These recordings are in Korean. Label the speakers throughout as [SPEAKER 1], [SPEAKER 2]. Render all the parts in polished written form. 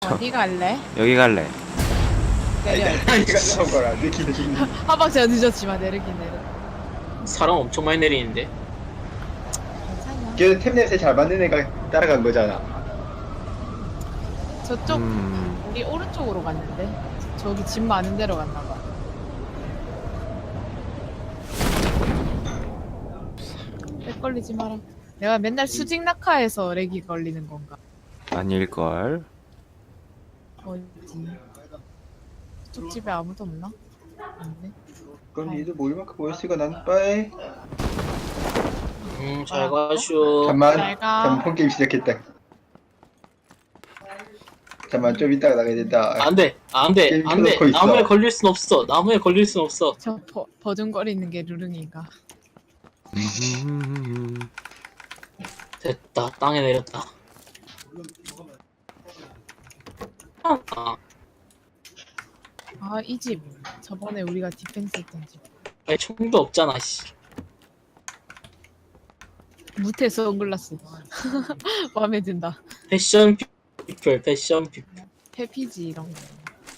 [SPEAKER 1] 어디 갈래?
[SPEAKER 2] 여기 갈래.
[SPEAKER 1] 내려.
[SPEAKER 3] 이가 나온 거라 느끼는.
[SPEAKER 1] 한 박자가 늦었지만 내리긴 내려.
[SPEAKER 4] 사람 엄청 많이 내리는데.
[SPEAKER 1] 괜찮아.
[SPEAKER 3] 걔는 템 냄새 잘 맡는 애가 따라간 거잖아.
[SPEAKER 1] 저쪽 우리 오른쪽으로 갔는데 저기 집 많은 데로 갔나 봐. 렉 걸리지 마라. 내가 맨날 수직 낙하해서 렉이 걸리는 건가?
[SPEAKER 2] 아닐걸.
[SPEAKER 1] 어디? 저쪽 집에 아무도 없나? 없네.
[SPEAKER 3] 그럼 니도 모일 만큼 모였으니까 난 빠이.
[SPEAKER 4] 잘 가쇼.
[SPEAKER 3] 잠만.
[SPEAKER 1] 잘 가.
[SPEAKER 3] 잠만 폰게임 시작했다. 잠만 좀 이따가 나가야 된다.
[SPEAKER 4] 안돼, 안돼,
[SPEAKER 3] 게임
[SPEAKER 4] 안돼.
[SPEAKER 3] 켜놓고 있어.
[SPEAKER 4] 나무에 걸릴 순 없어. 나무에 걸릴 순 없어.
[SPEAKER 1] 저 버둥거리는 게 루릉이가.
[SPEAKER 4] 됐다. 땅에 내렸다. 아,
[SPEAKER 1] 아, 이 집. 저번에 우리가 디펜스 했던 집.
[SPEAKER 4] 아니, 총도 없잖아. 씨.
[SPEAKER 1] 무태 선글라스. 마음에 든다.
[SPEAKER 4] 패션 피플, 패션 피플.
[SPEAKER 1] 해피지 이런 거.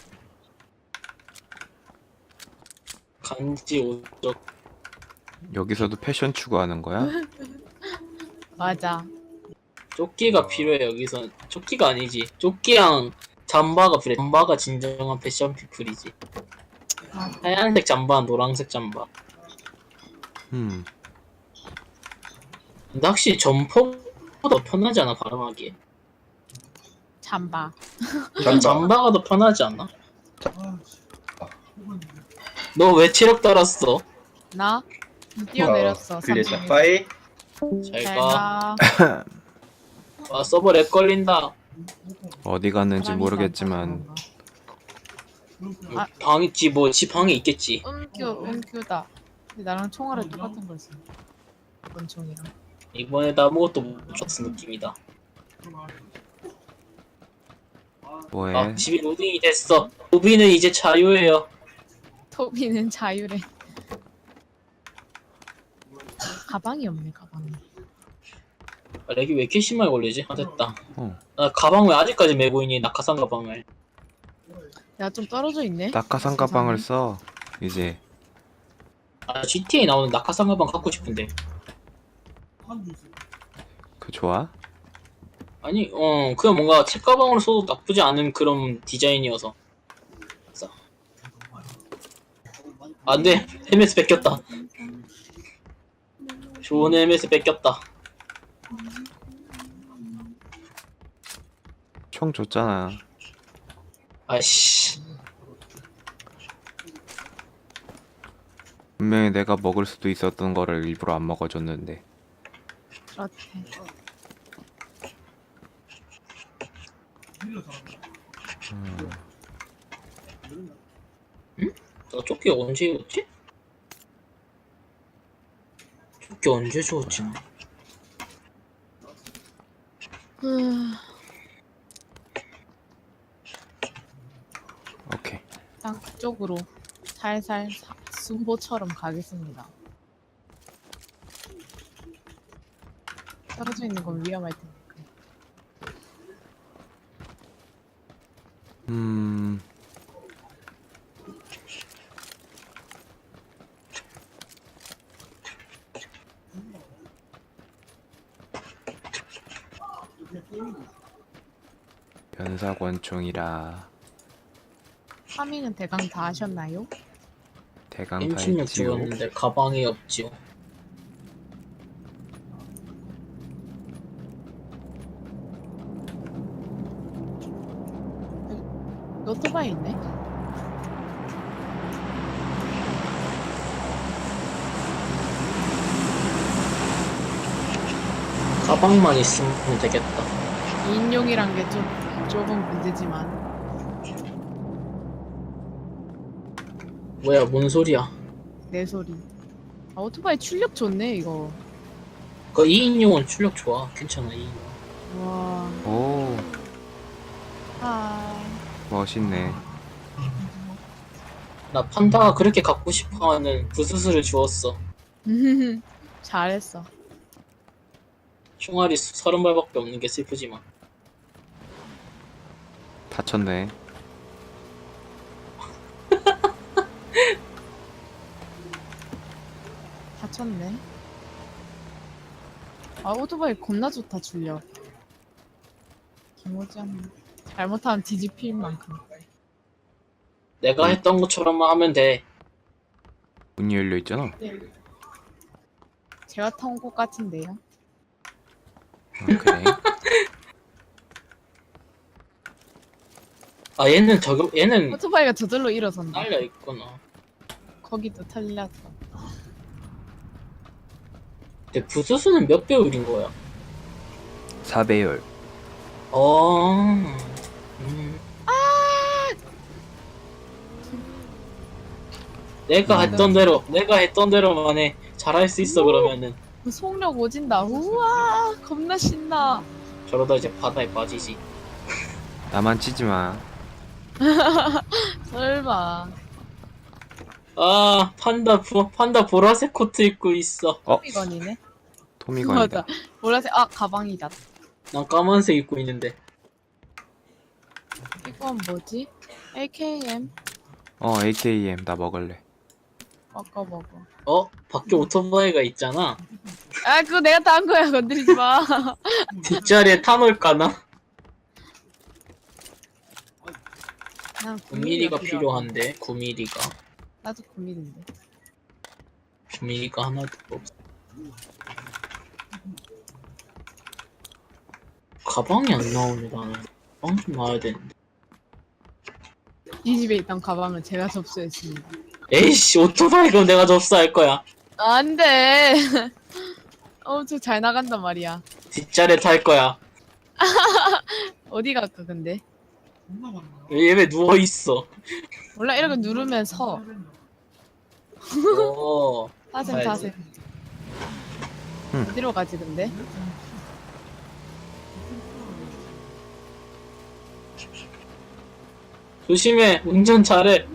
[SPEAKER 4] 간지 오적.
[SPEAKER 2] 여기서도 패션 추구하는 거야?
[SPEAKER 1] 맞아.
[SPEAKER 4] 조끼가 필요해 여기선. 조끼가 아니지. 조끼랑 잠바가 필요해. 잠바가 진정한 패션 피플이지.
[SPEAKER 1] 아,
[SPEAKER 4] 하얀색 잠바, 노란색 잠바. 근데 확실히 점퍼보다 편하지 않아 발음하기에?
[SPEAKER 1] 잠바.
[SPEAKER 4] 잠바가 더 편하지 않나? 너 왜 체력 달았어?
[SPEAKER 1] 나 뛰어내렸어.
[SPEAKER 3] 클리했다.
[SPEAKER 1] 3층에서.
[SPEAKER 3] 빠이.
[SPEAKER 4] 잘
[SPEAKER 1] 잘
[SPEAKER 4] 가.
[SPEAKER 1] 가.
[SPEAKER 4] 와 서버 렉 걸린다.
[SPEAKER 2] 어디 갔는지
[SPEAKER 1] 사람이
[SPEAKER 2] 모르겠지만
[SPEAKER 1] 많아서 그런가?
[SPEAKER 4] 방 있지 뭐 지 방에 있겠지.
[SPEAKER 1] 음큐다. 근데 나랑 총알을 똑같은 걸 써. 권총이랑.
[SPEAKER 4] 이번에도 아무것도 못 줬어 느낌이다.
[SPEAKER 2] 뭐해?
[SPEAKER 4] 아 집이 로딩이 됐어. 로비는 이제 자유예요.
[SPEAKER 1] 토비는 자유래. 가방이 없네, 가방이.
[SPEAKER 4] 아, 렉이 왜 이렇게 심하게 걸리지? 아 됐다.
[SPEAKER 2] 어.
[SPEAKER 4] 나 가방 왜 아직까지 메고 있니? 낙하산 가방을.
[SPEAKER 1] 야, 좀 떨어져 있네.
[SPEAKER 2] 낙하산 가방을 써. 이제
[SPEAKER 4] 아 GTA 나오는 낙하산 가방 갖고 싶은데.
[SPEAKER 2] 그 좋아?
[SPEAKER 4] 아니 그냥 뭔가 책가방으로 써도 나쁘지 않은 그런 디자인이어서. 그래서. 안돼 헬멧 뺏겼다. 좋은 헬멧 뺏겼다.
[SPEAKER 2] 총 줬잖아.
[SPEAKER 4] 아이씨.
[SPEAKER 2] 분명히 내가 먹을 수도 있었던 거를 일부러 안 먹어줬는데.
[SPEAKER 1] 그렇대.
[SPEAKER 4] 나 조끼 언제 입었지? 조끼 언제 주웠지? 나?
[SPEAKER 2] 오케이.
[SPEAKER 1] 땅 쪽으로 살살 순보처럼 가겠습니다. 떨어져 있는 건 위험할 테니까.
[SPEAKER 2] 변사권총이라
[SPEAKER 1] 파밍은 대강 다 하셨나요?
[SPEAKER 2] 대강 다
[SPEAKER 4] M16
[SPEAKER 2] 했지요.
[SPEAKER 4] 주웠는데 가방이 없지요.
[SPEAKER 1] 오토바이 있네?
[SPEAKER 4] 가방만 있으면 되겠다.
[SPEAKER 1] 2인용이란 게 좀 조금 문제지만
[SPEAKER 4] 뭐야 뭔 소리야?
[SPEAKER 1] 내 소리. 아, 오토바이 출력 좋네 이거.
[SPEAKER 4] 그 2인용은 출력 좋아. 괜찮아 2인용.
[SPEAKER 1] 와.
[SPEAKER 2] 오,
[SPEAKER 1] 아.
[SPEAKER 2] 멋있네.
[SPEAKER 4] 나 판다가 그렇게 갖고 싶어하는 부스스를 주웠어.
[SPEAKER 1] 잘했어.
[SPEAKER 4] 총알이 30발밖에 없는 게 슬프지만.
[SPEAKER 2] 다쳤네.
[SPEAKER 1] 다쳤네. 아 오토바이 겁나 좋다 줄려. 김오지 않네. 잘못하면 뒤집힐 만큼.
[SPEAKER 4] 내가 했던 것처럼만 하면 돼.
[SPEAKER 2] 문이 열려 있잖아.
[SPEAKER 1] 제가 타온 곳 같은데요.
[SPEAKER 2] 그래.
[SPEAKER 4] 아 얘는
[SPEAKER 1] 오토바이가 저절로 일어선다.
[SPEAKER 4] 날려 있구나.
[SPEAKER 1] 거기도 털렸어.
[SPEAKER 4] 근데 부수수는 몇 배율인 거야?
[SPEAKER 2] 4배열.
[SPEAKER 4] 음. 내가 했던 대로만 해. 잘할 수 있어 그러면은.
[SPEAKER 1] 그 속력 오진다. 우와 겁나 신나.
[SPEAKER 4] 저러다 이제 바다에 빠지지.
[SPEAKER 2] 나만 치지 마.
[SPEAKER 1] 설마.
[SPEAKER 4] 아 판다 보라색 코트 입고 있어.
[SPEAKER 1] 토미건이네.
[SPEAKER 2] 토미건이다.
[SPEAKER 1] 맞아. 보라색 가방이다.
[SPEAKER 4] 난 까만색 입고 있는데.
[SPEAKER 1] 이건 뭐지? AKM.
[SPEAKER 2] AKM 나 먹을래.
[SPEAKER 1] 먹어.
[SPEAKER 4] 밖에 오토바이가 있잖아.
[SPEAKER 1] 아 그거 내가 다 한 거야. 건드리지 마.
[SPEAKER 4] 뒷자리에 타놓을까나?
[SPEAKER 1] 난
[SPEAKER 4] 9mm가 필요한데 9mm가
[SPEAKER 1] 나도 9mm인데.
[SPEAKER 4] 9mm가 하나도 없어. 가방이 안 나오네 나는. 가방 좀 나와야 되는데.
[SPEAKER 1] 이 집에 있던 가방을 제가 접수했습니다.
[SPEAKER 4] 에이씨 오토바이 그럼 내가 접수할 거야.
[SPEAKER 1] 안 돼. 엄청 잘 나간단 말이야.
[SPEAKER 4] 뒷자리에 탈 거야.
[SPEAKER 1] 어디 갈까 근데?
[SPEAKER 4] 얘 왜 누워있어?
[SPEAKER 1] 몰라 이렇게 누르면 서. 타셈.
[SPEAKER 4] 가야지.
[SPEAKER 1] 어디로 가지 근데?
[SPEAKER 4] 조심해 운전 잘해.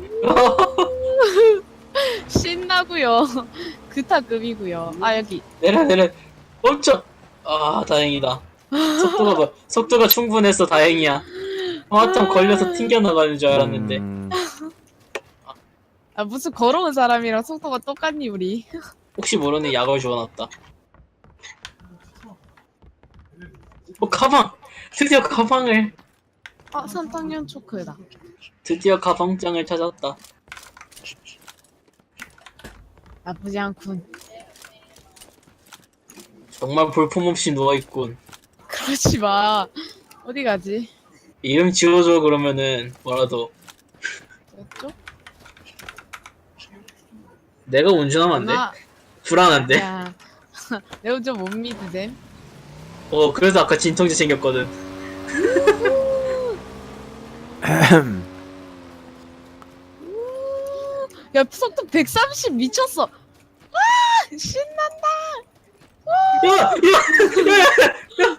[SPEAKER 1] 신나고요. 그타급이고요. 아 여기.
[SPEAKER 4] 내려 멈춰. 아 다행이다. 속도가 충분해서 다행이야. 화참 걸려서 튕겨나가는 줄 알았는데.
[SPEAKER 1] 아 무슨 걸어온 사람이랑 속도가 똑같니 우리?
[SPEAKER 4] 혹시 모르니 약을 주워놨다. 가방! 드디어 가방을!
[SPEAKER 1] 산탕면 초크다.
[SPEAKER 4] 드디어 가방장을 찾았다.
[SPEAKER 1] 나쁘지 않군.
[SPEAKER 4] 정말 볼품없이 누워있군.
[SPEAKER 1] 그러지 마. 어디 가지?
[SPEAKER 4] 이름 지워줘 그러면은 뭐라도.
[SPEAKER 1] 저쪽?
[SPEAKER 4] 내가 운전하면 안 돼? 불안한데?
[SPEAKER 1] 야, 내 운전 못 믿으셈.
[SPEAKER 4] 그래서 아까 진통제 챙겼거든.
[SPEAKER 1] 야, 속도 130 미쳤어. 와, 신난다.
[SPEAKER 4] 야!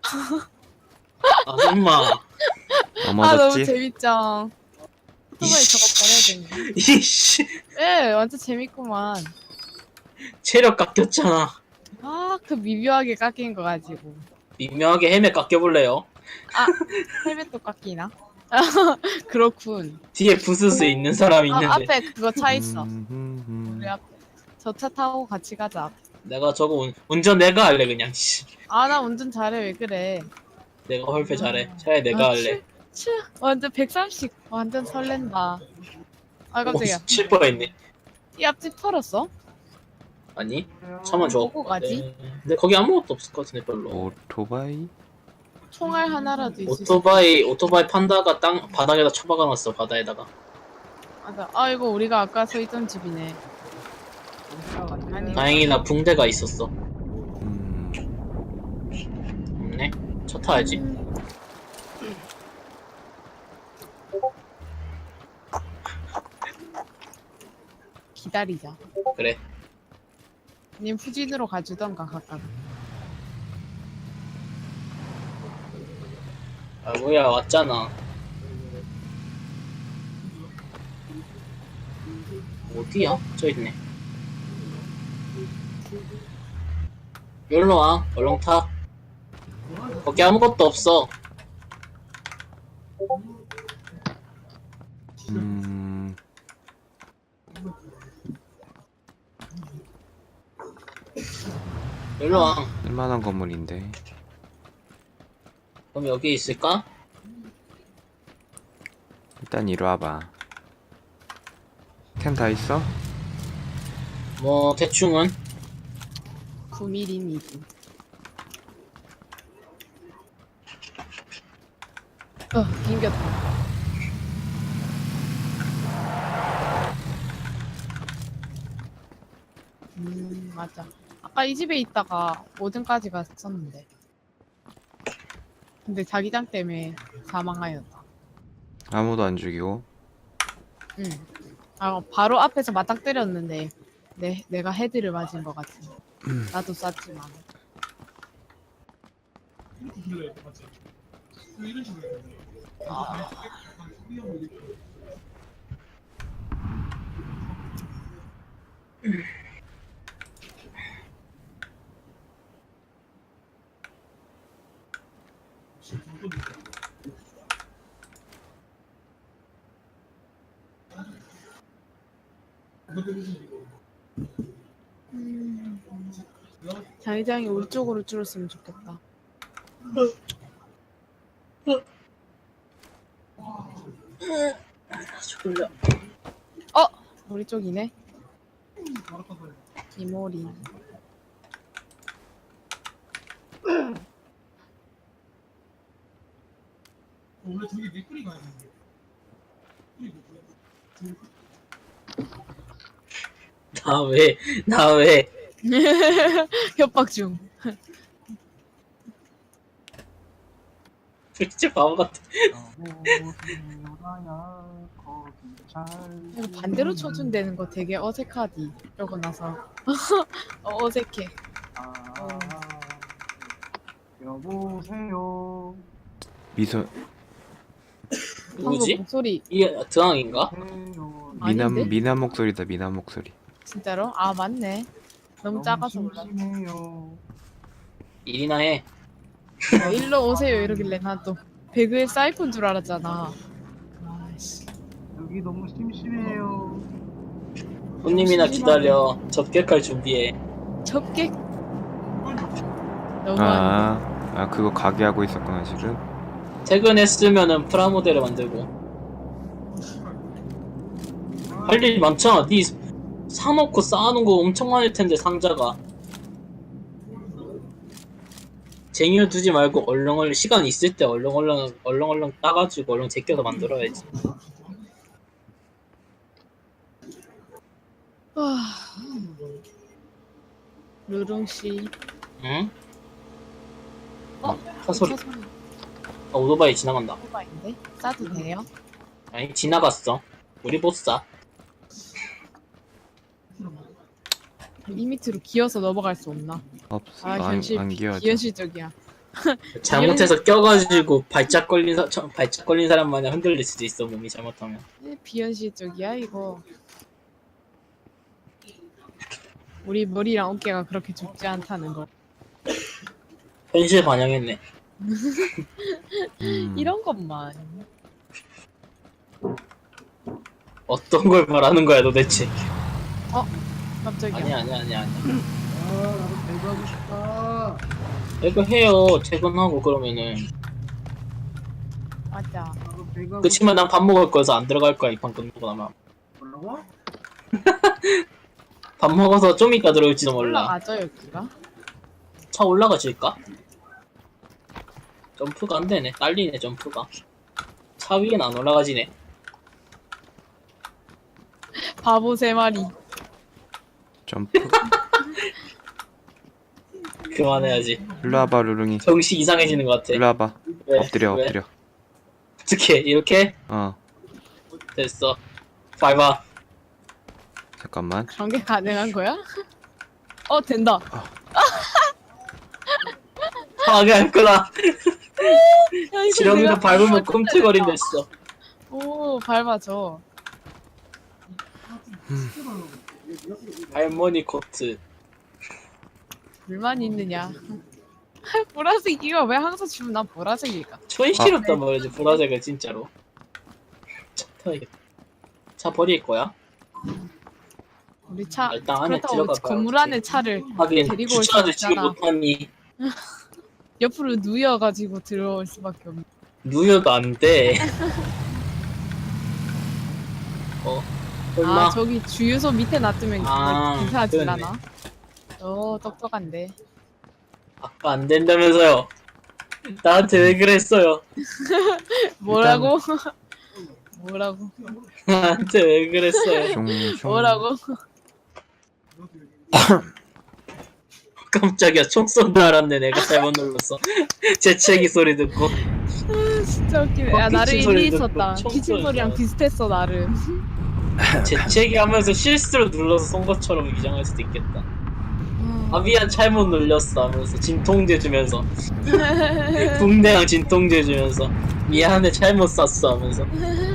[SPEAKER 4] 아, 임마.
[SPEAKER 1] 너무
[SPEAKER 2] 넘어졌지?
[SPEAKER 1] 재밌죠. 오토바이 저거 버려야 되는데.
[SPEAKER 4] 이씨.
[SPEAKER 1] 예, 완전 재밌구만.
[SPEAKER 4] 체력 깎였잖아.
[SPEAKER 1] 그 미묘하게 깎인 거 가지고.
[SPEAKER 4] 미묘하게 헬멧 깎여볼래요?
[SPEAKER 1] 헬멧도 깎이나? 그렇군.
[SPEAKER 4] 뒤에 부스스 있는 사람이 있는데.
[SPEAKER 1] 앞에 그거 차 있어. 우리 앞에. 저 차 타고 같이 가자.
[SPEAKER 4] 내가 저거 운전 내가 할래 그냥. 씨.
[SPEAKER 1] 나 운전 잘해. 왜 그래?
[SPEAKER 4] 내가 헐페 잘해. 차라리 내가 할래.
[SPEAKER 1] 완전 130. 완전 설렌다. 깜짝이야.
[SPEAKER 4] 칠 뻔했네.
[SPEAKER 1] 이 앞집 털었어?
[SPEAKER 4] 아니 차만 좋았고.
[SPEAKER 1] 보고 가지?
[SPEAKER 4] 네. 근데 거기 아무것도 없을 것 같은데 별로.
[SPEAKER 2] 오토바이?
[SPEAKER 1] 총알 하나라도 있을 수
[SPEAKER 4] 오토바이 판다가 바닥에다 처박아놨어. 바다에다가.
[SPEAKER 1] 맞아. 이거 우리가 아까 서 있던 집이네. 아니.
[SPEAKER 4] 다행이나 붕대가 있었어. 없네. 차 타야지.
[SPEAKER 1] 기다리자.
[SPEAKER 4] 그래.
[SPEAKER 1] 님 후진으로 가주던가 각각.
[SPEAKER 4] 뭐야 왔잖아. 어디야? 저 있네. 여기로 와. 얼른 타. 거기 아무것도 없어. 일로 와.
[SPEAKER 2] 쓸만한 건물인데.
[SPEAKER 4] 그럼 여기 있을까?
[SPEAKER 2] 일단 이리 와봐. 템 다 있어?
[SPEAKER 4] 뭐 대충은
[SPEAKER 1] 9mm이지. 낑겼다. 맞아. 아까 이 집에 있다가 5등까지 갔었는데. 근데 자기장 때문에 사망하였다.
[SPEAKER 2] 아무도 안 죽이고.
[SPEAKER 1] 응. 아, 바로 앞에서 맞닥 때렸는데 내가 헤드를 맞은 것 같은. 나도 쐈지만. 자기장이 우리 쪽으로 줄었으면 좋겠다.
[SPEAKER 4] 졸려.
[SPEAKER 1] 우리 쪽이네. 이모리.
[SPEAKER 5] 원래 저기 맥거리 가야 되는데.
[SPEAKER 4] 나 왜?
[SPEAKER 1] 협박 중.
[SPEAKER 4] 진짜 바보 같아.
[SPEAKER 1] 이거 반대로 쳐준다는 거 되게 어색하디. 이러고 나서 어색해.
[SPEAKER 5] 여보세요.
[SPEAKER 2] 미소
[SPEAKER 4] 누구지?
[SPEAKER 1] 방금 목소리
[SPEAKER 4] 이게 드항인가?
[SPEAKER 1] 아닌데?
[SPEAKER 2] 미남 목소리다. 미남 목소리.
[SPEAKER 1] 진짜로? 아 맞네. 너무 작아서 몰라.
[SPEAKER 5] 심심해요.
[SPEAKER 4] 일이나 해.
[SPEAKER 1] 야, 일로 오세요 이러길래 난 또 배그의 사이폰 줄 알았잖아. 아이씨.
[SPEAKER 5] 여기 너무 심심해요.
[SPEAKER 4] 손님이나 기다려. 접객할 준비해.
[SPEAKER 1] 접객. 너무
[SPEAKER 2] 그거 가게 하고 있었구나 지금.
[SPEAKER 4] 퇴근했으면은 프라모델을 만들고. 할 일 많잖아. 니 사놓고 쌓아놓은 거 엄청 많을 텐데 상자가. 쟁여 두지 말고 얼렁얼렁 시간 있을 때 얼렁얼렁 따가지고 얼렁 제껴서 만들어야지.
[SPEAKER 1] 루룽 씨.
[SPEAKER 4] 응?
[SPEAKER 1] 어?
[SPEAKER 4] 사소리.
[SPEAKER 1] 차 소리.
[SPEAKER 4] 오토바이 지나간다.
[SPEAKER 1] 오토바이인데? 싸도 돼요?
[SPEAKER 4] 아니 지나갔어. 우리 못 사.
[SPEAKER 1] 이 밑으로 기어서 넘어갈 수 없나?
[SPEAKER 2] 없어.
[SPEAKER 1] 아
[SPEAKER 2] 안
[SPEAKER 1] 현실
[SPEAKER 2] 기어져.
[SPEAKER 1] 비현실적이야.
[SPEAKER 4] 잘못해서 껴가지고 발작 걸린 사람 마냥 흔들릴 수도 있어. 몸이 잘못하면.
[SPEAKER 1] 비현실적이야 이거. 우리 머리랑 어깨가 그렇게 좁지 않다는 거.
[SPEAKER 4] 현실 반영했네.
[SPEAKER 1] 이런 것만.
[SPEAKER 4] 어떤 걸 말하는 거야 도대체?
[SPEAKER 1] 깜짝이야.
[SPEAKER 4] 아니야.
[SPEAKER 5] 아, 나도 배구하고 싶다.
[SPEAKER 4] 이거 해요. 퇴근하고 그러면은.
[SPEAKER 1] 맞아.
[SPEAKER 5] 나도 배구하고
[SPEAKER 4] 그치만 난 밥 먹을 거여서 안 들어갈 거야. 이 판 끝나고 나면.
[SPEAKER 5] 싶다고?
[SPEAKER 4] 밥 먹어서 좀 이따 들어올지도 몰라.
[SPEAKER 1] 올라가죠 여기가?
[SPEAKER 4] 차 올라가질까? 점프가 안 되네. 딸리네 점프가. 차 위엔 안 올라가지네.
[SPEAKER 1] 바보 3마리.
[SPEAKER 2] 점프.
[SPEAKER 4] 그만해야지.
[SPEAKER 2] 일로 와봐 루룽이.
[SPEAKER 4] 정신 이상해지는 것 같아.
[SPEAKER 2] 일로 와봐.
[SPEAKER 4] 왜?
[SPEAKER 2] 엎드려
[SPEAKER 4] 왜?
[SPEAKER 2] 엎드려.
[SPEAKER 4] 어떻게 이렇게?
[SPEAKER 2] 어
[SPEAKER 4] 됐어. 밟아.
[SPEAKER 2] 잠깐만.
[SPEAKER 1] 그런 게 가능한 거야? 된다.
[SPEAKER 4] 하게 할 거다.
[SPEAKER 1] 야, 이거
[SPEAKER 4] 지렁이도
[SPEAKER 1] 내가
[SPEAKER 4] 밟으면
[SPEAKER 1] 진짜
[SPEAKER 4] 꿈틀거린댔어.
[SPEAKER 1] 오 밟아줘.
[SPEAKER 4] 할머니 코트.
[SPEAKER 1] 불만 있느냐? 보라색 이거 왜 항상 주면 난 보라색일까?
[SPEAKER 4] 초이 싫었단 말이지 보라색을 진짜로. 태워야겠다. 차 버릴 거야?
[SPEAKER 1] 우리 차
[SPEAKER 4] 일단 안에
[SPEAKER 1] 그렇다고
[SPEAKER 4] 들어가
[SPEAKER 1] 건물
[SPEAKER 4] 봐야지.
[SPEAKER 1] 안에 차를
[SPEAKER 4] 하긴
[SPEAKER 1] 데리고 올 수
[SPEAKER 4] 주차를 지금
[SPEAKER 1] 없잖아.
[SPEAKER 4] 못하니
[SPEAKER 1] 옆으로 누여가지고 들어올 수밖에 없네.
[SPEAKER 4] 누여도 안 돼. 설마
[SPEAKER 1] 아 저기 주유소 밑에 놔두면
[SPEAKER 4] 아,
[SPEAKER 1] 기사하지
[SPEAKER 4] 그러네.
[SPEAKER 1] 않아? 똑똑한데.
[SPEAKER 4] 아까 안 된다면서요. 나한테 왜 그랬어요?
[SPEAKER 1] 뭐라고? 뭐라고?
[SPEAKER 4] 나한테 왜 그랬어요?
[SPEAKER 2] 슝슝.
[SPEAKER 1] 뭐라고?
[SPEAKER 4] 깜짝이야, 총 쏜 줄 알았네. 내가 잘못 눌렀어. 재채기 소리 듣고.
[SPEAKER 1] 진짜 웃기네. 야 나름
[SPEAKER 4] 피칭 소리
[SPEAKER 1] 일리
[SPEAKER 4] 듣고
[SPEAKER 1] 있었다.
[SPEAKER 4] 총
[SPEAKER 1] 피칭 소리랑
[SPEAKER 4] 쏘는
[SPEAKER 1] 비슷했어 나름.
[SPEAKER 4] 재채기 하면서 실수로 눌러서 쏜 것처럼 위장할 수도 있겠다. 아, 미안, 잘못 눌렸어 하면서 진통제 주면서. 붕대랑 진통제 주면서. 미안해, 잘못 쐈어 하면서.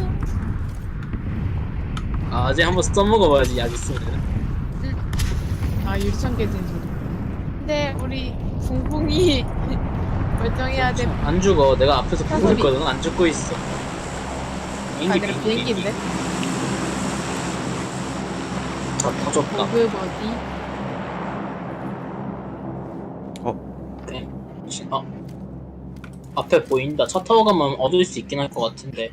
[SPEAKER 4] 아, 아직 한번 써먹어봐야지, 약 있으면.
[SPEAKER 1] 아 유리창 깨진 소리. 근데 우리 붕붕이 멀쩡해야 돼.
[SPEAKER 4] 안 죽어. 내가 앞에서 보고
[SPEAKER 1] 소리.
[SPEAKER 4] 있거든. 안 죽고 있어.
[SPEAKER 1] 아 그래 비행기인데?
[SPEAKER 4] 아, 터졌다.
[SPEAKER 1] 버그 버디.
[SPEAKER 4] 네. 앞에 보인다. 차 타고 가면 얻을 수 있긴 할 것 같은데.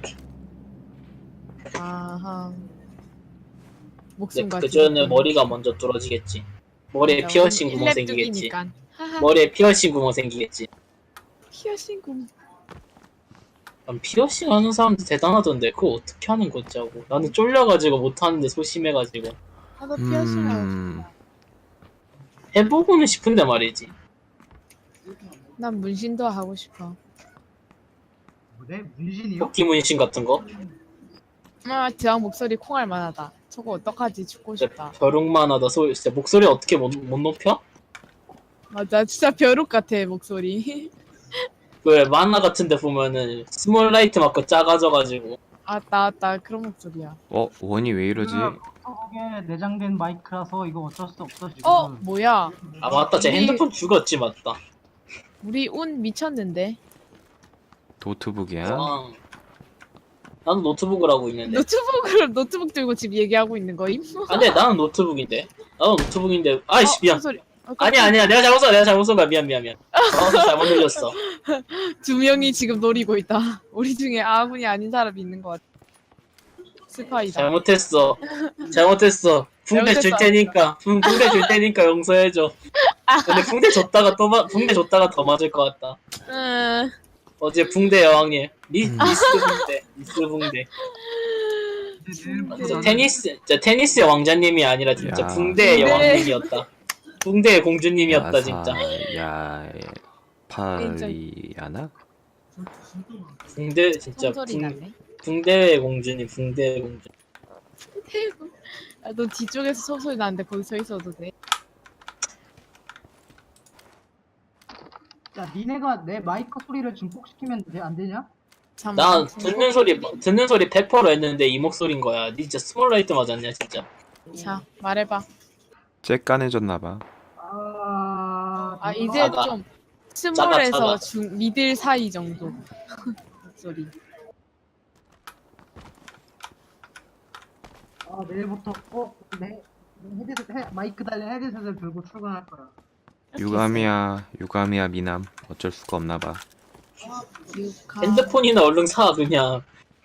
[SPEAKER 1] 아하.
[SPEAKER 4] 근데
[SPEAKER 1] 목숨과
[SPEAKER 4] 그 전에 머리가 먼저 뚫어지겠지. 머리에 피어싱 구멍 생기겠지. 머리에 피어싱 구멍 생기겠지.
[SPEAKER 1] 피어싱 구멍.
[SPEAKER 4] 난 피어싱 하는 사람들 대단하던데 그거 어떻게 하는 거지 하고. 나는 쫄려가지고 못하는데 소심해가지고.
[SPEAKER 1] 나도 피어싱 하고
[SPEAKER 2] 음.
[SPEAKER 1] 싶다.
[SPEAKER 4] 해보고는 싶은데 말이지.
[SPEAKER 1] 난 문신도 하고 싶어.
[SPEAKER 5] 뭐래? 문신이요?
[SPEAKER 4] 토끼 문신 같은 거.
[SPEAKER 1] 아 드랑 목소리 콩알 만하다. 저거 어떡하지? 죽고 싶다.
[SPEAKER 4] 벼룩만 하다 진짜 목소리 어떻게 못 높여?
[SPEAKER 1] 맞아 진짜 벼룩 같아 목소리.
[SPEAKER 4] 그 만화 같은데 보면은 스몰 라이트 맞고 작아져가지고.
[SPEAKER 1] 아따 그런 목소리야.
[SPEAKER 2] 원이 왜 이러지?
[SPEAKER 5] 노트북에 내장된 마이크라서 이거 어쩔 수 없어 지금.
[SPEAKER 1] 뭐야?
[SPEAKER 4] 아 맞다, 제
[SPEAKER 1] 우리-
[SPEAKER 4] 핸드폰 죽었지 맞다.
[SPEAKER 1] 우리 운 미쳤는데.
[SPEAKER 2] 노트북이야?
[SPEAKER 4] 와. 나는 노트북을 하고 있는데.
[SPEAKER 1] 노트북 들고 지금 얘기하고 있는 거임?
[SPEAKER 4] 아니 나는 노트북인데. 나는 노트북인데. 아이씨 미안.
[SPEAKER 1] 소리.
[SPEAKER 4] 아니야 내가 잘못 쏜 거야. 미안. 잘못 눌렸어.
[SPEAKER 1] 두 명이 지금 노리고 있다. 우리 중에 아군이 아닌 사람이 있는 것 같아. 스파이다.
[SPEAKER 4] 잘못했어. 붕대 줄 테니까 용서해줘. 근데 붕대 줬다가 더 맞을 것 같다. 어제 붕대 여왕님 미스 붕대. 진짜 테니스의 왕자님이 아니라 진짜
[SPEAKER 2] 야.
[SPEAKER 4] 붕대의
[SPEAKER 1] 붕대.
[SPEAKER 4] 여왕님이었다. 붕대의 공주님이었다 진짜.
[SPEAKER 2] 야, 파리아나?
[SPEAKER 4] 붕대 진짜
[SPEAKER 1] 소리 나네.
[SPEAKER 4] 붕대의 공주님, 붕대의 공주.
[SPEAKER 1] 아, 너 뒤쪽에서 소리 나는데 거기 서 있어도 돼?
[SPEAKER 5] 야 니네가 내 마이크 소리를 증폭시키면 안 되냐?
[SPEAKER 4] 나 듣는 소리 100% 했는데 이 목소리인 거야. 니 진짜 스몰라이트 맞았냐 진짜.
[SPEAKER 1] 자 말해봐.
[SPEAKER 2] 쬐깐해졌나봐.
[SPEAKER 1] 이제
[SPEAKER 4] 작아.
[SPEAKER 1] 좀 스몰에서
[SPEAKER 4] 작아.
[SPEAKER 1] 미들 사이 정도 목소리.
[SPEAKER 5] 내일부터 내 헤드셋 마이크 달린 헤드셋을 들고 출근할 거야.
[SPEAKER 2] 유감이야 미남. 어쩔 수가 없나봐.
[SPEAKER 4] 핸드폰이나 얼른 사 그냥.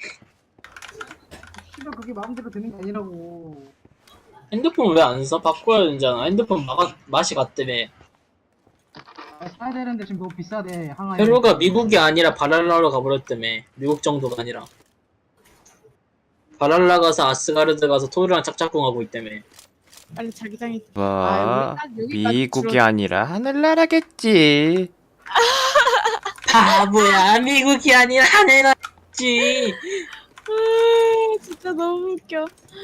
[SPEAKER 5] 씨발 그게 마음대로 되는 게 아니라고.
[SPEAKER 4] 핸드폰 왜 안 사? 바꿔야 되잖아. 핸드폰 맛이 갔다며.
[SPEAKER 5] 사야 되는데 지금 너무 비싸대 항아리.
[SPEAKER 4] 페루가 미국이 아니라 바랄라로 가버렸다며. 미국 정도가 아니라. 바랄라 가서 아스가르드 가서 토르랑 짝짝꿍하고 있다며.
[SPEAKER 1] 빨리 자기장이.
[SPEAKER 2] 와,
[SPEAKER 1] 우리 딱 여기까지
[SPEAKER 2] 미국이
[SPEAKER 1] 줄어-
[SPEAKER 2] 아니라 하늘나라겠지.
[SPEAKER 4] 바보야, 미국이 아니라 하늘나라지.
[SPEAKER 1] 진짜 너무 웃겨.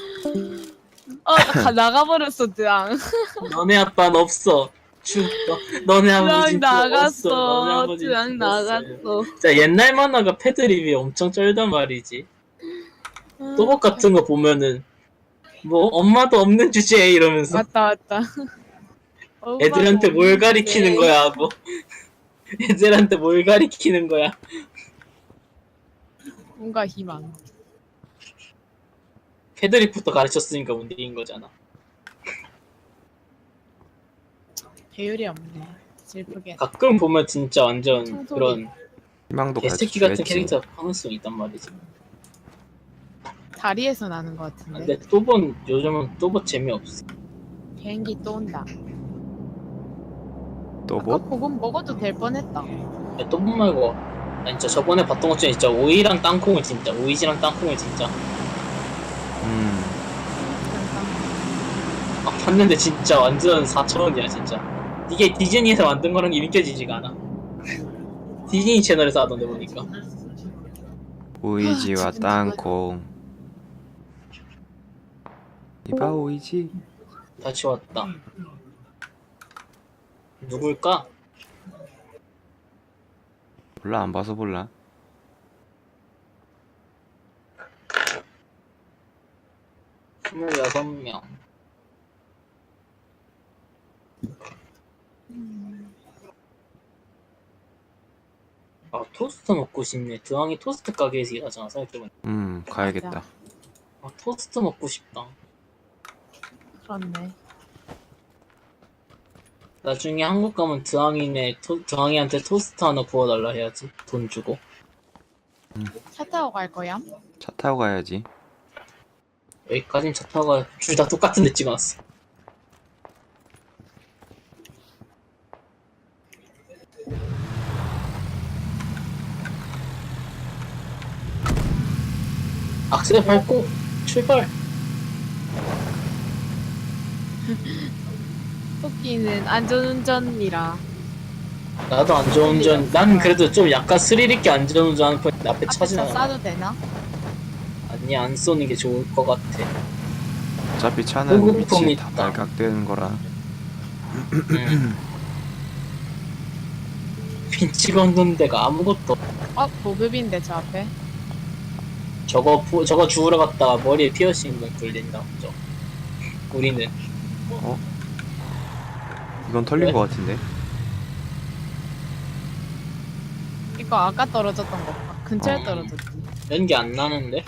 [SPEAKER 1] 나가버렸어 드랑.
[SPEAKER 4] 너네 아빠는 없어. 죽어. 너네 아버지
[SPEAKER 1] 드랑
[SPEAKER 4] 죽었어. 너네
[SPEAKER 1] 나갔어.
[SPEAKER 4] 아버지
[SPEAKER 1] 드랑
[SPEAKER 4] 죽었어요.
[SPEAKER 1] 나갔어.
[SPEAKER 4] 진짜 옛날 만화가 패드립이 엄청 쩔단 말이지. 또봇 같은 거 보면은 뭐 엄마도 없는 주제에 이러면서
[SPEAKER 1] 맞다.
[SPEAKER 4] 애들한테 뭘 가리키는
[SPEAKER 1] 네.
[SPEAKER 4] 거야 하고 애들한테 뭘 가리키는 거야.
[SPEAKER 1] 뭔가 희망.
[SPEAKER 4] 패드립부터 가르쳤으니까 문제인 거잖아.
[SPEAKER 1] 배율이 없네. 슬프게.
[SPEAKER 4] 가끔 보면 진짜 완전
[SPEAKER 1] 청소기.
[SPEAKER 4] 그런
[SPEAKER 2] 희망도
[SPEAKER 4] 개새끼 같은
[SPEAKER 2] 가르쳐줘야지.
[SPEAKER 4] 캐릭터 가능성이 있단 말이지.
[SPEAKER 1] 다리에서 나는 것 같은데.
[SPEAKER 4] 근데 또본 요즘은 또본 재미없어.
[SPEAKER 1] 비행기 또 온다.
[SPEAKER 2] 또
[SPEAKER 1] 아까
[SPEAKER 2] 뭐?
[SPEAKER 1] 보금 먹어도 될 뻔했다.
[SPEAKER 4] 야, 또본 말고 나 진짜 저번에 봤던 것 중에 진짜 오이랑 땅콩을 진짜 오이지랑 땅콩을 진짜 봤는데 진짜 완전 4,000원이야 진짜. 이게 디즈니에서 만든 거랑 게 믿겨지지가 않아. 디즈니 채널에서 하던데 보니까.
[SPEAKER 2] 오이지와
[SPEAKER 1] 지금
[SPEAKER 2] 땅콩. 이봐 오이지.
[SPEAKER 4] 다시 왔다. 누굴까?
[SPEAKER 2] 몰라 안 봐서 몰라.
[SPEAKER 4] 명 26명. 아 토스트 먹고 싶네. 드왕이 토스트 가게에서 일하잖아 생각해보니까.
[SPEAKER 2] 가야겠다.
[SPEAKER 4] 아 토스트 먹고 싶다.
[SPEAKER 1] 그렇네.
[SPEAKER 4] 나중에 한국 가면 드왕이한테 토스트 하나 구워달라 해야지. 돈 주고.
[SPEAKER 1] 차 타고 갈 거야?
[SPEAKER 2] 차 타고 가야지.
[SPEAKER 4] 여기까진 차 타고 가. 둘 다 똑같은 데 찍어놨어. 악셀 밟고 출발.
[SPEAKER 1] 토끼는 안전운전이라.
[SPEAKER 4] 나도 안전운전. 난 그래도 좀 약간 스릴 있게 안전운전하는 편인데 앞에 차
[SPEAKER 1] 앞에서
[SPEAKER 4] 지나가.
[SPEAKER 1] 쏴도 되나?
[SPEAKER 4] 아니 안 쏘는 게 좋을 것 같아.
[SPEAKER 2] 어차피 차는
[SPEAKER 4] 보급품이
[SPEAKER 2] 위치 다
[SPEAKER 4] 있다.
[SPEAKER 2] 발각되는 거라.
[SPEAKER 4] 빈 찍어놓는 데가 아무것도 없-
[SPEAKER 1] 보급인데 저 앞에.
[SPEAKER 4] 저거 주우러 갔다가 머리에 피어싱 뚫린다. 우리는
[SPEAKER 2] 이건 털린
[SPEAKER 4] 왜?
[SPEAKER 2] 거 같은데.
[SPEAKER 1] 이거 아까 떨어졌던 거. 근처에
[SPEAKER 2] 어.
[SPEAKER 1] 떨어졌지.
[SPEAKER 4] 연기 안 나는데?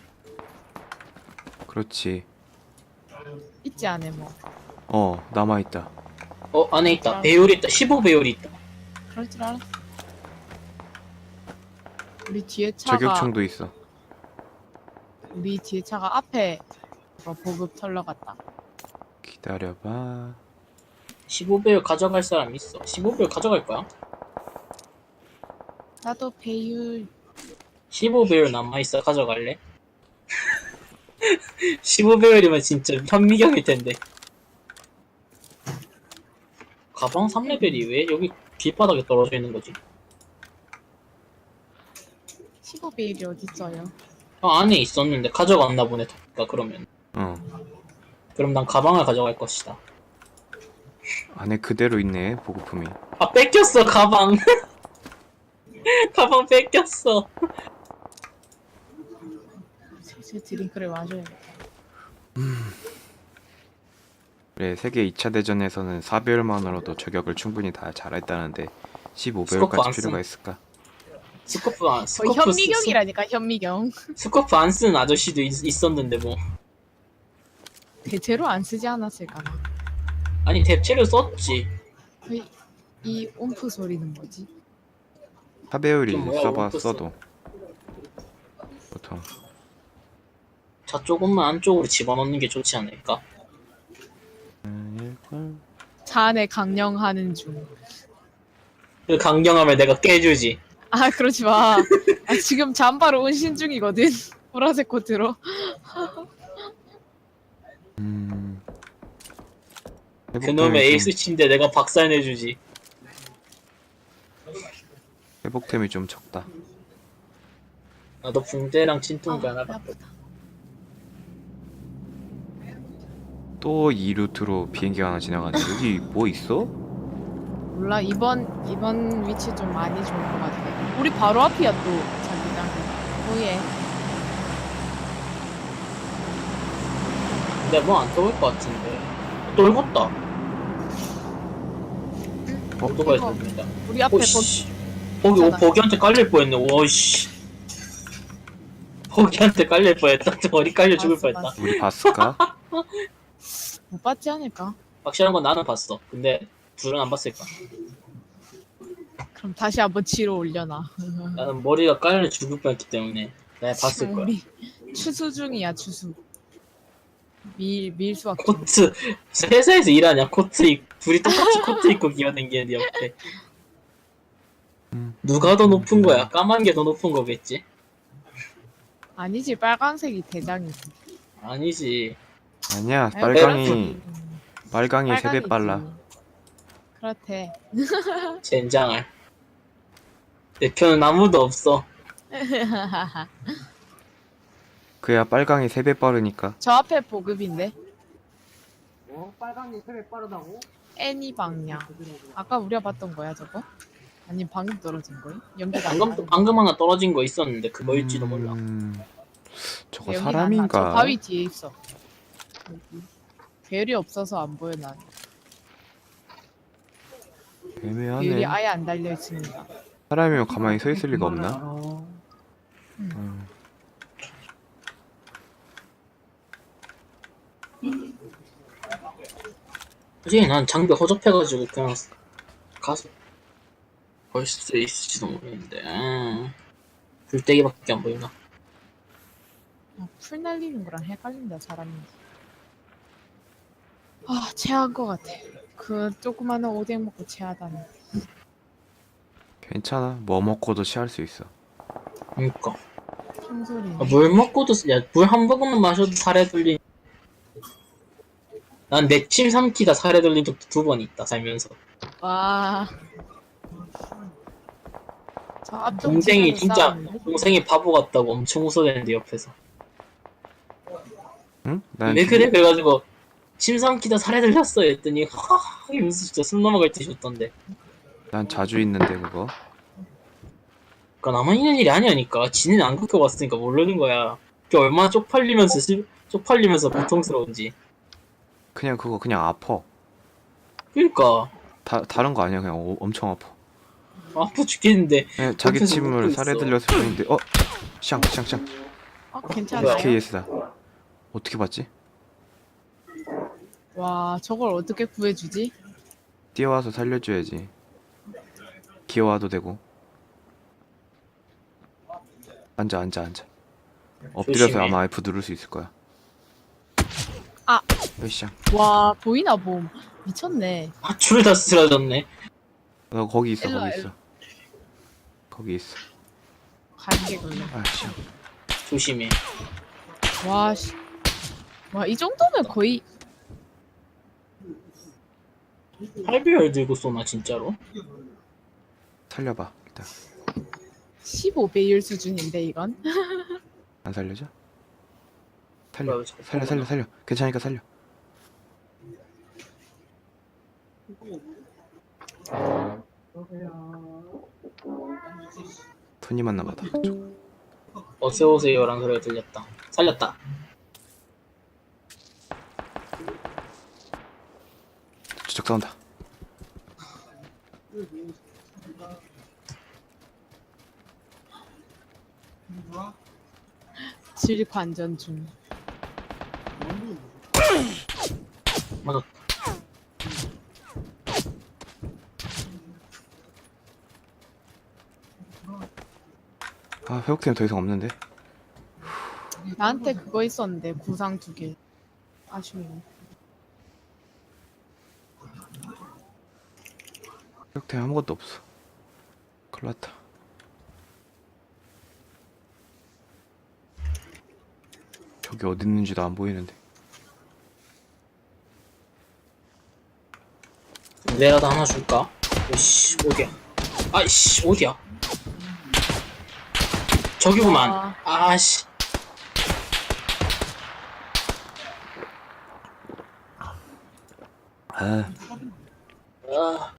[SPEAKER 2] 그렇지.
[SPEAKER 1] 있지 않아 뭐.
[SPEAKER 2] 남아있다.
[SPEAKER 4] 안에 있다. 배율이 있다. 15배율이 있다.
[SPEAKER 1] 그럴 줄 알았어. 우리 뒤에 차가
[SPEAKER 2] 저격총도 있어.
[SPEAKER 1] 우리 뒤에 차가 앞에 보급 털러 갔다.
[SPEAKER 2] 기다려봐.
[SPEAKER 4] 15배율 가져갈 사람 있어. 15배율 가져갈 거야?
[SPEAKER 1] 나도 배율
[SPEAKER 4] 15배율 남아있어. 가져갈래? 15배율이면 진짜 현미경일 텐데. 가방 3레벨이 왜 여기 뒷바닥에 떨어져 있는 거지?
[SPEAKER 1] 15배율이 어딨어요?
[SPEAKER 4] 안에 있었는데 가져갔나 보네. 그러면. 그럼 난 가방을 가져갈 것이다.
[SPEAKER 2] 안에 그대로 있네 보급품이.
[SPEAKER 4] 아 뺏겼어 가방. 가방 뺏겼어.
[SPEAKER 1] 슬슬 드링크를 마셔야겠다.
[SPEAKER 2] 그래 세계 2차 대전에서는 4배율만으로도 저격을 충분히 다 잘했다는데
[SPEAKER 4] 스코프 안
[SPEAKER 2] 15배율까지
[SPEAKER 4] 쓴-
[SPEAKER 2] 필요가 있을까?
[SPEAKER 4] 스코프 안
[SPEAKER 1] 거의
[SPEAKER 4] 스코프
[SPEAKER 1] 현미경이라니까 현미경.
[SPEAKER 4] 스코프 안 쓰는 아저씨도 있었는데 뭐.
[SPEAKER 1] 대체로 안 쓰지 않았을까나.
[SPEAKER 4] 아니 대체로 썼지.
[SPEAKER 1] 이 옴프 소리는 뭐지?
[SPEAKER 2] 4배율이
[SPEAKER 4] 좀 뭐야,
[SPEAKER 2] 써봤어도 보통
[SPEAKER 4] 자 조금만 안쪽으로 집어넣는 게 좋지 않을까?
[SPEAKER 1] 차 안에 강령하는 중.
[SPEAKER 4] 그 강경함을 내가 깨주지.
[SPEAKER 1] 아 그러지 마. 지금 잠바로 운신 중이거든. 보라색 코트로.
[SPEAKER 4] 그놈의 에이스치인데 내가 박살내주지.
[SPEAKER 2] 회복템이 좀 적다.
[SPEAKER 4] 나도 붕대랑 진통제 하나
[SPEAKER 1] 배
[SPEAKER 4] 갖고.
[SPEAKER 1] 아프다.
[SPEAKER 2] 또 이 루트로 비행기가 하나 지나가네. 여기 뭐 있어?
[SPEAKER 1] 몰라 이번 위치 좀 많이 좋은 것 같아. 우리 바로 앞이야 또 자기장. 오예.
[SPEAKER 4] 근데 뭐 안 떠올 것 같은데. 떨궜다. 오토바이
[SPEAKER 1] 이거
[SPEAKER 4] 떨린다.
[SPEAKER 1] 우리 앞에
[SPEAKER 4] 오씨. 거기
[SPEAKER 1] 있잖아.
[SPEAKER 4] 버기한테 깔릴 뻔했네. 와씨. 거기한테 깔릴 뻔했다. 머리 깔려 죽을
[SPEAKER 1] 봤어,
[SPEAKER 4] 뻔했다.
[SPEAKER 1] 봤어.
[SPEAKER 2] 우리 봤을까?
[SPEAKER 1] 못 봤지 않을까?
[SPEAKER 4] 확실한 건 나는 봤어. 근데 둘은 안 봤을까?
[SPEAKER 1] 그럼 다시 한번 치러 올려놔.
[SPEAKER 4] 나는 머리가 깔려 죽을 뻔했기 때문에 내가 봤을 거야.
[SPEAKER 1] 우리 추수 중이야 추수. 밀수학 중.
[SPEAKER 4] 코트 회사에서 일하냐? 둘이 똑같이 코트 입고 기어댕기는 네 옆에. 누가 더 높은 거야? 까만 게 더 높은 거겠지?
[SPEAKER 1] 아니지 빨강색이 대장이지.
[SPEAKER 4] 아니지.
[SPEAKER 2] 아니야.
[SPEAKER 1] 아유,
[SPEAKER 2] 빨강이 3배 빨라.
[SPEAKER 1] 그렇대.
[SPEAKER 4] 젠장할. 내 편은 아무도 없어.
[SPEAKER 2] 그야 빨강이 3배 빠르니까.
[SPEAKER 1] 저 앞에 보급인데
[SPEAKER 5] 빨강이 세배 빠르다고?
[SPEAKER 1] 애니 방향. 아까 우리가 봤던 거야 저거? 아니 방금 떨어진 거야? 연기가 안 나네.
[SPEAKER 4] 방금 하나 떨어진 거 있었는데 그거일지도 몰라.
[SPEAKER 2] 저거
[SPEAKER 1] 연기가 안 나. 저
[SPEAKER 2] 사람인가?
[SPEAKER 1] 바위 뒤에 있어. 여기. 별이 없어서 안 보여 난. 별이
[SPEAKER 2] 애매하네.
[SPEAKER 1] 아예 안 달려 있습니다.
[SPEAKER 2] 사람이면 가만히 서 있을 리가 없나?
[SPEAKER 4] 솔직히 난 장비 허접해가지고 그냥 가서 볼 수 있을지도 모르겠는데. 불떼기밖에 안 보이나?
[SPEAKER 1] 아, 풀 날리는 거랑 헷갈린다 사람이. 아 체한 거 같아. 그 조그마한 오뎅 먹고 체하다니.
[SPEAKER 2] 괜찮아. 뭐 먹고도 취할 수 있어.
[SPEAKER 4] 그니까.
[SPEAKER 1] 큰 소리.
[SPEAKER 4] 물 먹고도, 물 한 모금만 마셔도 살에 들린. 난 내침 삼키다 살에 들린 적도 2번 있다, 살면서.
[SPEAKER 1] 와. 저 앞쪽
[SPEAKER 4] 동생이
[SPEAKER 1] 집에서
[SPEAKER 4] 진짜,
[SPEAKER 1] 싸우는데?
[SPEAKER 4] 동생이 바보 같다고 엄청 웃어대는데, 옆에서.
[SPEAKER 2] 응? 난
[SPEAKER 4] 왜 그래? 그래가지고, 침 삼키다 살에 들렸어. 했더니, 하하, 이러면서 진짜 숨 넘어갈 듯이 웃던데.
[SPEAKER 2] 난 자주 있는데 그거.
[SPEAKER 4] 그니까 나만 있는 일이 아니라니까. 지는 안 겪어봤으니까 모르는 거야. 그게 얼마나 쪽팔리면서 고통스러운지.
[SPEAKER 2] 그거 그냥 아파.
[SPEAKER 4] 그니까,
[SPEAKER 2] 다른 거 아니야. 그냥 엄청 아파.
[SPEAKER 4] 아파 죽겠는데.
[SPEAKER 2] 그냥 자기
[SPEAKER 4] 옆에서
[SPEAKER 2] 침을
[SPEAKER 4] 웃고
[SPEAKER 2] 살에
[SPEAKER 4] 있어.
[SPEAKER 2] 들렸을 뿐인데. 샹.
[SPEAKER 1] 괜찮아요?
[SPEAKER 2] KS다. 어떻게 봤지?
[SPEAKER 1] 와 저걸 어떻게 구해주지?
[SPEAKER 2] 뛰어와서 살려줘야지. 기어와도 되고. 앉아. 엎드려서
[SPEAKER 4] 조심해.
[SPEAKER 2] 아마 F 누를 수 있을 거야.
[SPEAKER 1] 아.
[SPEAKER 2] 으쌰.
[SPEAKER 1] 와 보이나 봄. 미쳤네.
[SPEAKER 4] 줄을 다 쓰러졌네.
[SPEAKER 2] 너 거기 있어.
[SPEAKER 1] 일로 와,
[SPEAKER 2] 거기 있어. 거기 있어.
[SPEAKER 1] 갈게 걸려.
[SPEAKER 2] 아, 씨.
[SPEAKER 4] 조심해.
[SPEAKER 1] 와 씨. 와 이 정도면 거의
[SPEAKER 4] 8배열 들고 쏘나 진짜로?
[SPEAKER 2] 살려봐. 일단
[SPEAKER 1] 15배율 수준인데 이건?
[SPEAKER 2] 안 살려줘?
[SPEAKER 4] 뭐야,
[SPEAKER 2] 살려. 괜찮으니까 살려. 토니만 남았다. 그쪽.
[SPEAKER 4] 어서오세요라는 소리가 들렸다. 살렸다.
[SPEAKER 2] 저쪽 싸운다.
[SPEAKER 1] 질 관전 중.
[SPEAKER 4] 맞아.
[SPEAKER 2] 아, 회복템 더 이상 없는데.
[SPEAKER 1] 나한테 그거 있었는데 구상 2개. 아쉬워.
[SPEAKER 2] 회복템 아무것도 없어. 큰일 났다. 저기 어디 있는지도 안 보이는데.
[SPEAKER 4] 내라도 하나 줄까? 오씨 어디야? 아이씨 어디야? 저기구만. 아씨.
[SPEAKER 2] 아,
[SPEAKER 4] 아